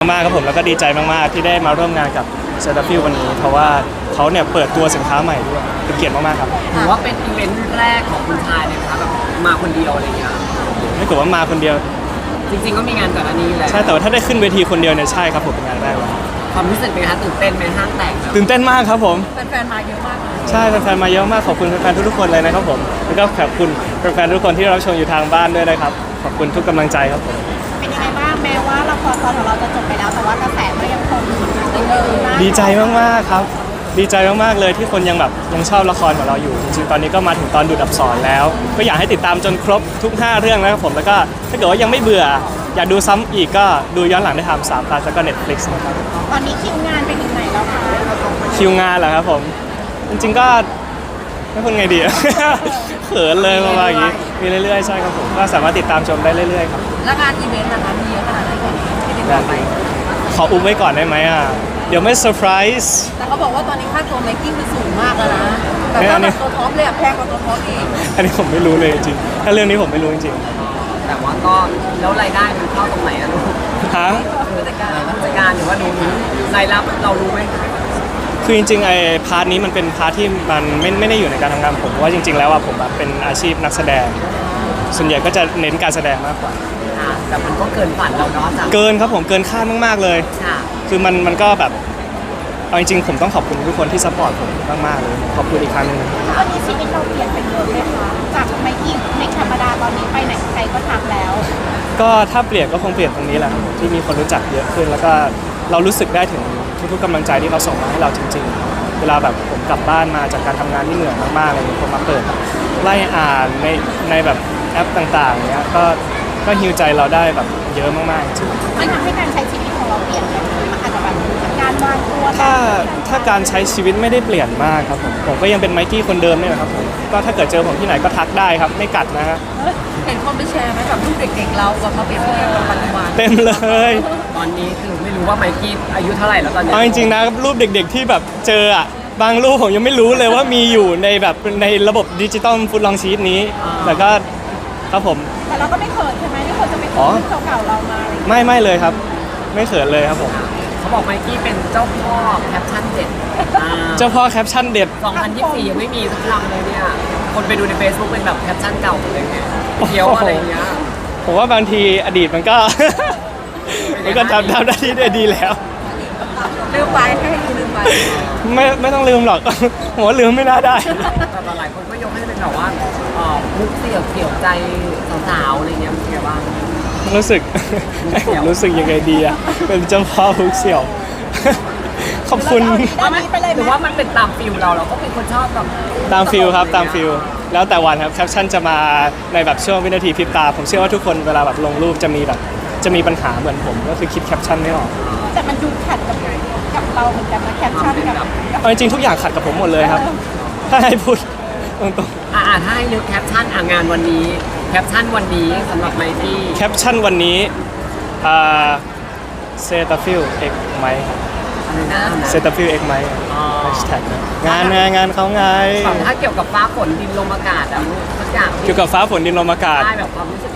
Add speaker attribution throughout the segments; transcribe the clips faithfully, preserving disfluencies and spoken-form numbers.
Speaker 1: มากๆครับผมแล้วก็ดีใจมากๆที่ได้มาร่วมงานกับเซอร์ฟิลวันนี้เพราะว่าเขาเนี่ยเปิดตัวสินค้าใหม่ด้วยเป็นเกียรติมากๆครับ
Speaker 2: ถือว่าเป็นอีเวนต์แรกของคุณชายเลยนะคะแบบมาคนเดียวอะไรเงี้ย
Speaker 1: ไม่กลัวว่ามาคนเดียว
Speaker 2: จริงๆก็มีงานก่อนอันนี้แหละ
Speaker 1: ใช่แต่ว่าถ้าได้ขึ้นเวทีคนเดียวเนี่ยใช่ครับผมเป็นงานแรกเลย
Speaker 2: ความรู้สึกเป็นไงคะตื่นเต้นไหมห้างแตก
Speaker 1: ตื่นเต้นมากครับผม
Speaker 3: แฟนๆมาเยอะมาก
Speaker 1: ใช่แฟนๆมาเยอะมากขอบคุณแฟนๆทุกๆคนเลยนะครับผมแล้วก็ขอบคุณแฟนๆทุกคนที่รับชมอยู่ทางบ้านด้วยนะครับขอบคุณทุกกำลังใจครับผม
Speaker 3: เป็นยังไงบ้างแม้ว่าละครตอนของเราจะจบไปแล้วแต่ว่ากระแสก็ยังคงเดินหน้า
Speaker 1: ดีใจมากๆครับดีใจมากๆเลยที่คนยังแบบยังชอบละครของเราอยู่จริงๆตอนนี้ก็มาถึงตอนดูดอับสรแล้วก็อยากให้ติดตามจนครบทุกห้าเรื่องนะครับผมแล้วก็ถ้าเกิดว่ายังไม่เบื่ออยากดูซ้ำอีกก็ดูย้อนหลังได้ทางสามพลัสแล้วก็ Netflix นะครับ
Speaker 3: ตอนนี้คิวงานไปถึงไหนแล้วคะ
Speaker 1: คิวงานเหรอครับผมจริงๆก็ไม่พูดไงดี เขินเลยประมาณอย่างนี้มีเรื่อยๆใช่ครับผมก็สามารถติดตามชมได้เรื่อยๆครับ
Speaker 3: แล้วงานอีเวนต์นะคะมีเยอะขนาดไหนกันที่ติดต่อไป
Speaker 1: ขออุ้มไว้ก่อนได้ไหมอ่ะเดี๋ยวไม่เซอร์ไพรส์
Speaker 3: แต่เขาบอกว่าตอนนี้ค่าตัวไมค์กี้คือสูงมากแล้วนะแต่ว่าแบบตัวท็อปเลยอะแพงกว่าตัวท็อปอีก
Speaker 1: อันนี้ผมไม่รู้เลยจริงถ้าเรื่องนี้ผมไม่รู้จริง
Speaker 2: แต่ว่าก็แล้วรายได้มันเข้าตรงไหนอะลูก
Speaker 1: ฮะ
Speaker 2: ผู้จัดการผู้จัดการหรือว่ารู้รายรับเรารู้ไหม
Speaker 1: คือจริงๆไอ้พาร์ทนี้มันเป็นพาร์ทที่มันไม่ไม่ได้อยู่ในการทำงานผมเพราะว่าจริงๆแล้วอะผมแบบเป็นอาชีพนักแสดงส่วนใหญ่ก็จะเน้นการแสดงมากกว่า
Speaker 2: แต่มันก็เกินฝันเราเนาะ
Speaker 1: เกินครับผมเกินคาดมากๆเลยคือมันมันก็แบบเอาจริงๆผมต้องขอบคุณทุกคนที่ซัพพอร์ตผมมากๆเลยขอบคุณอีกครั้งนึง
Speaker 3: ตอนนี้ชีวิตเราเปลี่ยนไปเยอะเลยค่ะจากไมค์กี้ในธรรมดาตอนนี้ไปไหนใครก็ทักแล้ว
Speaker 1: ก็ถ้าเปลี่ยนก็คงเปลี่ยนตรงนี้แหละครับที่มีคนรู้จักเยอะขึ้นแล้วก็เรารู้สึกได้ถึงทุกๆกำลังใจที่เขาส่งมาให้เราจริงๆเวลาแบบผมกลับบ้านมาจากการทำงานที่เหนื่อยมากๆอะไรอย่างเงี้ยผมมาเปิดไล่อ่านในในแบบแอปต่างๆเนี้ยก็ก็ฮิวใจเราได้แบบเยอะมากๆจริง
Speaker 3: มันทำให้การใช้ชีวิตของเราเปลี่ยนไปมันอาจจะแบบการวางตัว
Speaker 1: ถ้าถ้าการใช้ชีวิตไม่ได้เปลี่ยนมากครับผมผมก็ยังเป็นไมค์กี้คนเดิมเนี่ยครับผมก็ถ้าเกิดเจอผมที่ไหนก็ทักได้ครับไม่กัดนะฮะ
Speaker 3: เห็นคนไปแชร์ไหมกับรูปเด็กๆเรากับมาเปรียบเทียบกับปัจจุบัน
Speaker 1: เต็มเลย
Speaker 2: ตอนนี้คือไม่รู้ว่าไมค์กี้อายุเท่าไหร่แล้วตอนนี้
Speaker 1: เอาจริงๆนะรูปเด็กๆที่แบบเจออ่ะบางรูปผมยังไม่รู้เลยว่ามีอยู่ในแบบในระบบดิจิตอลฟุตลองชีตนี้แต่ก็ครับผม
Speaker 3: แต่เราก็ไม่เขินใช่ไหมที่คนจะไปซื้อรูปเก่าๆเรามา
Speaker 1: ไม่ไม่เลยครับไม่เขินเลยครับผม
Speaker 2: เขาบอกไมค์กี้เป็นเจ้าพ่อแคปชั่นเด็ด
Speaker 1: เจ้าพ่อแคปชั่นเด็ด
Speaker 2: สองพันยี่สิบสี่ยังไม่มีสักคำเลยเนี่ยคนไปดูใน Facebook เป็นแบบแคปชั่นเก่าอะไรเงี้ยเที่ยวอะไรเงี้ย
Speaker 1: ผมว่าบางทีอดีตมันก็มันก็ทำทำได้ที่ได้ดีแล้ว
Speaker 3: ลืมไปให้ลืมไป
Speaker 1: ไม่ไม่ต้องลืมหรอกผมว่าลืมไม่น่าได้
Speaker 2: แต่หลายคนก็ยกให้เป็นแบบว่ามุกเสี่ยวเกี่ยวใจสาวๆอะไรเงี้ยเป็นไงบ้าง
Speaker 1: รู้สึกผมรู้สึกยังไงดีอะเป็นเจ้าพ่อมุกเสี่ยวขอบคุณ
Speaker 2: หรือว่ามันเป็นตามฟิลเราเราก็เป็นคนชอบแบบ
Speaker 1: ตามฟิลครับตามฟิลแล้วแต่วันครับแคปชั่นจะมาในแบบช่วงวินาทีพริบตาผมเชื่อว่าทุกคนเวลาแบบลงรูปจะมีแบบจะมีปัญหาเหมือนผมก็คือคิดแคปชั่นไม่ออก
Speaker 3: แต่มันดูขัดกับกับเราเหมือนกันนะแคปชั่นกับ
Speaker 1: เอาจริงทุกอย่างขัดกับผมหมดเลยครับถ้าให้พูดตรง
Speaker 2: ๆอ่าถ้าให้นึกแคปชั่นงานวันนี้แคปชั่นวันนี้สำหรับไมค์กี้
Speaker 1: แคปชั่นวันนี้อ่าเซตาฟิลเอ็กไมค์เซตาฟิลเอ็กไมค์แฮชแท็กงานงานงานเขาไง
Speaker 2: ถ้าเกี่ยวกับฟ้าฝนดินลมอากาศอะทุกอย่าง
Speaker 1: เกี่ยวกับฟ้าฝนดินลมอากาศ
Speaker 2: ได้แบบความรู้สึก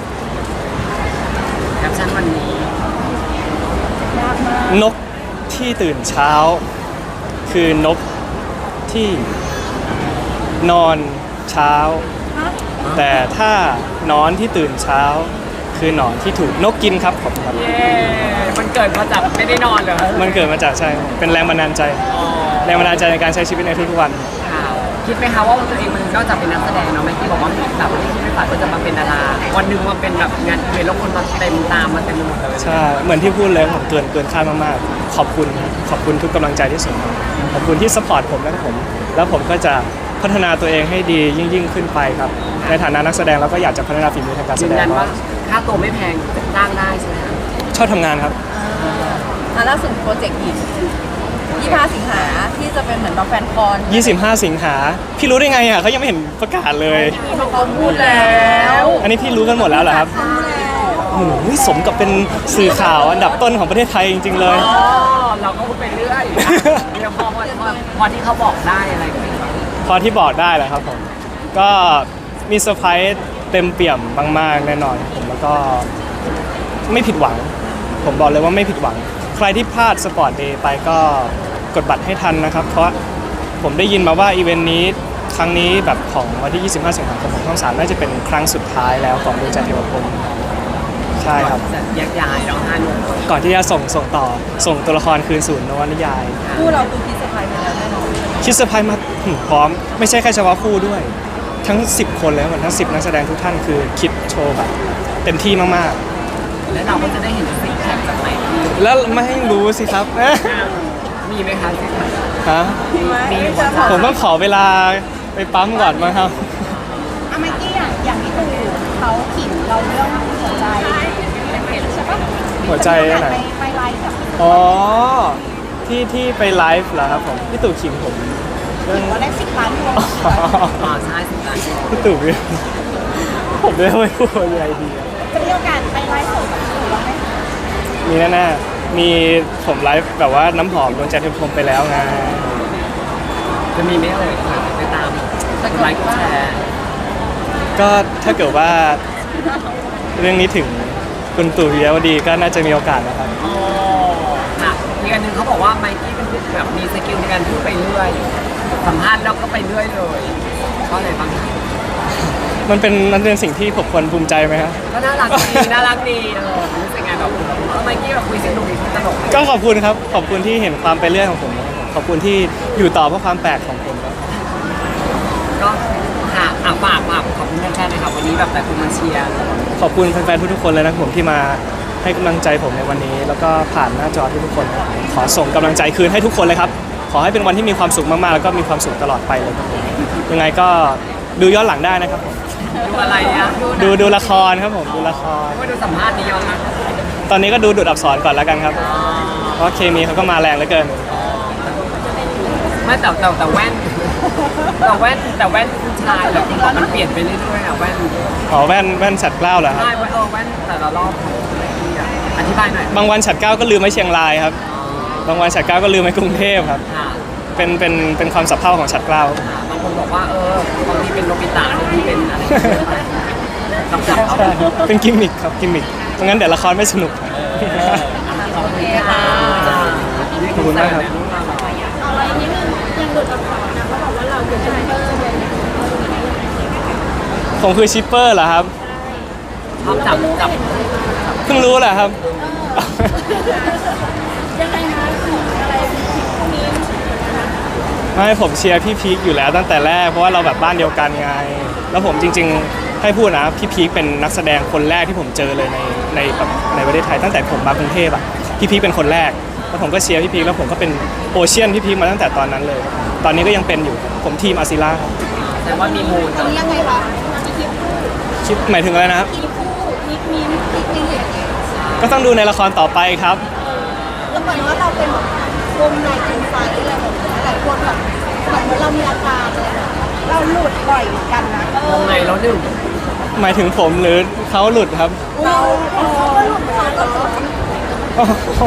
Speaker 2: แคปชั่นวันนี้
Speaker 1: นกที่ตื่นเช้าคือนกที่นอนเช้าแต่ถ้านอนที่ตื่นเช้าคือหนอนที่ถูกนกกินครับขอบคุณครับ
Speaker 2: เย้มันเกิดมาจากไม่ได้นอนเหรอ
Speaker 1: มันเกิดมาจากใช่เป็นแรงบันดาลใจแรงบันดาลใจในการใช้ชีวิตในทุกๆวัน
Speaker 2: คิดไหมคะว่าตัวเองมันนอกจากเป็นนักแสดงเนาะไม่ที่บอกว่าแบบไม่ได้คิดไม่ฝันว่าจะมาเป็นดาราวันหนึ่งมาเป็นแบบงานอีเวนต์แล้วคนมาเต็มตามมาเต็มหมดเลย
Speaker 1: ใช่เหมือนที่พูดเลยผมเกินเกินคาดมากๆขอบคุณขอบคุณทุกกำลังใจที่ส่งมาขอบคุณที่ซัพพอร์ตผมและผมแล้วผมก็จะพัฒนาตัวเองให้ดียิ่งยิ่งขึ้นไปครับในฐานะนักแสดงเราก็อยากจะพัฒนาฝีมือทางการแสดง
Speaker 2: ว่าค่าตัวไม่แพงจ้างได้ใช่ไหม
Speaker 1: ชอบทำงานครับ
Speaker 3: อ่าล่าสุดโปรเจกต์อีกยี่สิบห้าสิงหาที่จะเป็นเหมือนแบบแฟนคอน
Speaker 1: ยี่สิบห้าสิงหาพี่รู้ได้ไงอ่ะเขายังไม่เห็นประกาศเลย
Speaker 3: เขาพูดแล้ว
Speaker 1: อันนี้พี่รู้กันหมดแล้วเหรอครับโอ้โหสมกับเป็นสื่อข่าวอันดับต้นของประเทศไทยจริงๆเลย
Speaker 2: อ๋อเราก็พูดไปเรื่อยเดี๋ยวพอพอที่เขาบอกได้อะไรก็ไม่
Speaker 1: พอที่บอกได้แหละครับผมก็มีเซอร์ไพรส์เต็มเปี่ยมมากๆแน่นอนผมแล้วก็ไม่ผิดหวังผมบอกเลยว่าไม่ผิดหวัง ใครที่พลาดสปอร์ตเดย์ไปก็กดบัตรให้ทันนะครับ เพราะผมได้ยินมาว่าอีเวนต์นี้ครั้งนี้แบบของวันที่ ยี่สิบห้า สิงหาคมของช่องสามน่าจะเป็นครั้งสุดท้ายแล้วของดวงใจเทวพรหมใช่ครับ
Speaker 2: จะแยกย้ายเราห้าหนุ่ม
Speaker 1: ก่อนที่จะส่งส่งต่อส่งตัวละครคืนสู่นวนิยาย
Speaker 3: คู่เราคือคิดเซอร์ไพรส์ไปแล้วแน่นอน
Speaker 1: คิดเซอร์ไพรส์มาถึงพร้อมไม่ใช่แค่เฉพาะคู่ด้วย ทั้ง สิบ คนเลยเหมือนทั้ง สิบ นักแสดงทุกท่านคือคิดโชว์แบบเต็มที่มาก
Speaker 2: แล้วเราก็จะได้เห็นซิกแพคจากไหนที่
Speaker 1: ๆ แล้วไม่ให้รู้สิครับ
Speaker 2: มีไหมคะซิกแพค
Speaker 1: ฮะ
Speaker 3: มีไหม
Speaker 2: มี
Speaker 3: จะขอ
Speaker 1: ผมต้องขอเวลาไปปั๊มก่อนมั้งครับ
Speaker 4: อะเมื่อกี้อย่างอย่างที่ดูเขาขิงเราเรื่องหัวใจเป็นเพจใช่ปะ
Speaker 1: หัวใจอันไหน
Speaker 4: ไปไปไลฟ์กับ
Speaker 1: อ๋อที่ที่ไปไลฟ์เหรอครับผมพี่ตู่ขิงผมเรื่อง
Speaker 4: ว่าได้สิบล้านคน
Speaker 2: อ๋อใช่สิบล้าน
Speaker 1: พี่ตู่พี่ผมไม่ไม่พูดอะไรดีอะ
Speaker 4: จะมีโอกาสไปไลฟ์สดกับพี่ตู่บ้างไหม
Speaker 1: มีแน่ๆมีผมไลฟ์แบบว่าน้ำหอมดวงใจเทวพรหมไปแล้วไง
Speaker 2: จะมีไหมเอ่ยไปตามกดไลค์กดแชร์
Speaker 1: ก็ถ้าเกิดว่าเรื่องนี้ถึงคุณตู่ปิยวดีก็น่าจะมีโอกาสนะครับ
Speaker 2: อ๋อค่ะอีกอันหนึ่งเขาบอกว่าไมค์กี้เป็นแบบมีสกิลในการพูดไปเรื่อยสัมภาษณ์แล้วก็ไปเรื่อยเลยเพราะอะไรบ้าง
Speaker 1: มันเป็นมันเป็นสิ่งที่ผมควรภูมิใจไหมครับ
Speaker 2: ก็น่ารักดีน่ารักดีเออรู้สึกไงแบบเออไมค์กี้แบบคุยสนุกดีคุยตลกดี
Speaker 1: ก็ขอบคุณครับขอบคุณที่เห็นความไปเรื่อยของผมนะครับขอบคุณที่อยู่ต่อเพราะความแปลกของผมครับ
Speaker 2: ก็ค่ะอ่ะฝากฝากขอบคุณแฟนๆนะครับวันนี้แบบแต่คุณมาเชียร์
Speaker 1: ขอบคุณแฟนๆทุกๆคนเลยนะครับผมที่มาให้กำลังใจผมในวันนี้ แล้วก็ผ่านหน้าจอทุกๆคนนะครับขอส่งกำลังใจคืนให้ทุกคนเลยครับ ขอให้เป็นวันที่มีความสุขมากๆแล้วก็มีความสุขตลอดไปเลยครับผมยังไงก็ดูย้อนหลังได้นะครับผม
Speaker 2: ดูอะไรอ่ะ
Speaker 1: ดูดูละครครับผมดูละคร
Speaker 2: ไม่ดูสัมภาษณ์นี้ยังนะ
Speaker 1: ตอนนี้ก็ดูดูดอักษรก่อนแล้วกันครับ เพราะเคมีเขาก็มาแรงเหลือเกิน
Speaker 2: ไม่แต่แต่แต่แว่นแต่แว่นแต่แว่นผู้ชายแบบมันเปลี่ยนไปเรื่อยๆอ่ะแว่น
Speaker 1: อ๋อแว่นแว่นฉัดเกล้าเหรอครับ
Speaker 2: ใช่เออแว่นแต่ละรอบอธิบายหน่อย
Speaker 1: บางวันฉัดเกล้าก็ลืมไว้เชียงรายครับ บางวันฉัดเกล้าก็ลืมไว้กรุงเทพครับ
Speaker 2: ค่ะ
Speaker 1: เป็นเป็นเป็นความสับเพร่าของฉัดเกล้า
Speaker 2: บางคนบอกว่าเออบางทีเป็นโนบิตะบางทีเป็นอะไรจับจับเอา
Speaker 1: ใช่เป็นกิมมิคครับกิมมิคเพราะงั้นเดี๋ยวละครไม่สนุก
Speaker 2: ขอบคุณค่ะ
Speaker 1: ขอบคุณมากครับ
Speaker 4: เอาไว้นิดนึงยังหลุดอักษรนะเขาบอกว่าเราคือชิปเปอร์เลย
Speaker 1: ผมคือชิปเปอร์เหรอครับ
Speaker 2: ชอบจับจับ
Speaker 1: เพิ่งรู้แหละครับ
Speaker 4: ยังไงนะอะไรชิปพวกนี้
Speaker 1: ไม่ผมเชียร์พี่พีคอยู่แล้วตั้งแต่แรกเพราะว่าเราแบบบ้านเดียวกันไง แล้วผมจริงๆให้พูดนะพี่พีคเป็นนักแสดงคนแรกที่ผมเจอเลยในในแบบในประเทศไทยตั้งแต่ผมมากรุงเทพอ่ะพี่พีคเป็นคนแรกแล้วผมก็เชียร์พี่พีคแล้วผมก็เป็นโอเชียนพี่พีคมาตั้งแต่ตอนนั้นเลยครับตอนนี้ก็ยังเป็นอยู่ผมทีมอาซิล่าครับ
Speaker 2: แต่ว่ามีมูล
Speaker 4: ตรงนี้ยังไงคะมีคลิปคู่
Speaker 1: คิดหมายถึงอะไรนะครับ
Speaker 4: คลิปคู่คลิปมีคลิปมีอย่างเงี้ย
Speaker 1: ก็ต้องดูในละครต่อไปครับ
Speaker 4: แล้วเหมือนว่าเราเป็นแบบวงในกินไฟอะไรแบบนี้หลายคนแบบเหมือนเรามีอาการเลยอะเราหลุดบ่อยเหมือนกันนะ
Speaker 2: วงในแล้วหนึ่ง
Speaker 1: หมายถึงผมหรือเขาหลุดครับ
Speaker 4: เราเขาก็หลุดเขาก็หลุด
Speaker 1: โอ้โห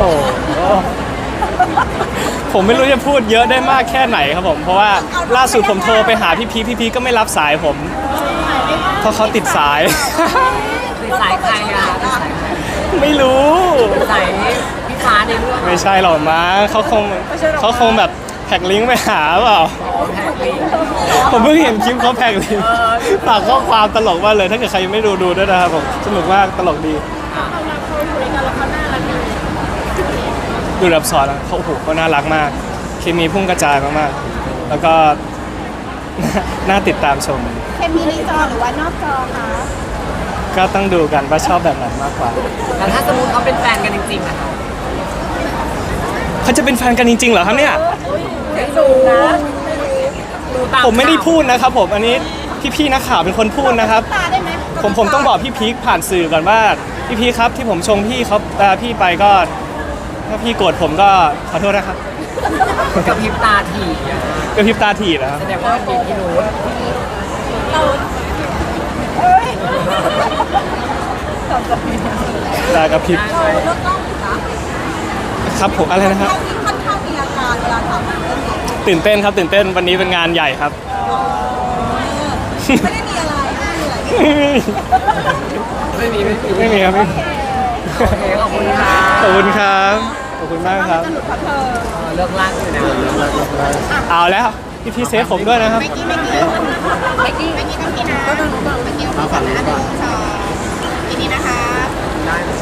Speaker 1: ผมไม่รู้จะพูดเยอะได้มากแค่ไหนครับผมเพราะว่าล่าสุดผมโทรไปหาพี่พีคพี่พีคก็ไม่รับสายผม เพราะเขาติดสาย
Speaker 2: ติดสายใครอ่ะติดสายใคร
Speaker 1: ไม่รู้
Speaker 2: ติดสายพี่ฟ้าในเรื่อง
Speaker 1: ไม่ใช่หรอกมั้งเขาคงเขาคงแบบแท็กลิงก์ไปหาเปล่า
Speaker 2: แท็กลิง
Speaker 1: ผมเพิ่งเห็นคลิปเขาแท็กลิงก์ฝากข้อความตลกมากเลย ถ้าเกิดใครยังไม่ดูดูด้วยนะครับผมสนุกมากตลกดี
Speaker 4: เขารักเขาอยู่ด้วยกันแล้วเขาน่ารักดี
Speaker 1: ดูแบบสอนอะเขาโอ้โหเขาน่ารักมาก เคมีพุ่งกระจายมากๆ แล้วก็ น่าติดตามชม
Speaker 4: เคมีในจอหรือว่านอกจอคะ
Speaker 1: ก็ต้องดูกันว่าชอบแบบไหนมากกว่า
Speaker 2: แต่ถ้าสมมติเขาเป็นแฟนกันจริงๆอะค่ะ
Speaker 1: เขาจะเป็นแฟนกันจริงๆเหรอครับเนี่ย
Speaker 2: ไม่ดูนะดูตาม
Speaker 1: ผมไม่ได้พูดนะครับผมอันนี้พี่ๆนักข่าวเป็นคนพูดนะครับ
Speaker 4: ตาได้ไหม
Speaker 1: ผมผมต้องบอกพี่พีคผ่านสื่อก่อนว่าพี่พีคครับที่ผมชงพี่เขาเอ่อพี่ไปก็ถ้าพี่โกรธผมก็ขอโทษนะครับ
Speaker 2: กระพริบตาถี่อะ
Speaker 1: กระพริบตาถีบนะครับ
Speaker 2: แสดงว่ามีพี่รู้
Speaker 1: ตากระพริบ
Speaker 2: ได้ไหม
Speaker 3: เราต้องนะครับ
Speaker 1: ผมอะไรนะครับ
Speaker 3: เราที่ค่อนข้างมีอาการเวลาทำเรื่องนี้
Speaker 1: ตื่นเต้นครับตื่นเต้นวันนี้เป็นงานใหญ่ครับ
Speaker 3: ไม่ได้มีอะไรไม่มีอะไร
Speaker 2: ไม่มีไม่มี
Speaker 1: ไม่มีครับไม่มี
Speaker 3: ข
Speaker 2: โอเคขอบคุณค่ะ
Speaker 1: ขอบคุณครับขอบคุณมากครับ
Speaker 4: จะหลุดเพราะเธอ
Speaker 2: เออเลิกลากอยู่นะ
Speaker 1: เอาแล้วพี่พี่เซฟผมด้วยนะครับ
Speaker 4: เมื่อกี้เมื่อกี้เมื่อกี้เมื่อกี้ต้องกินนะเมื่อกี้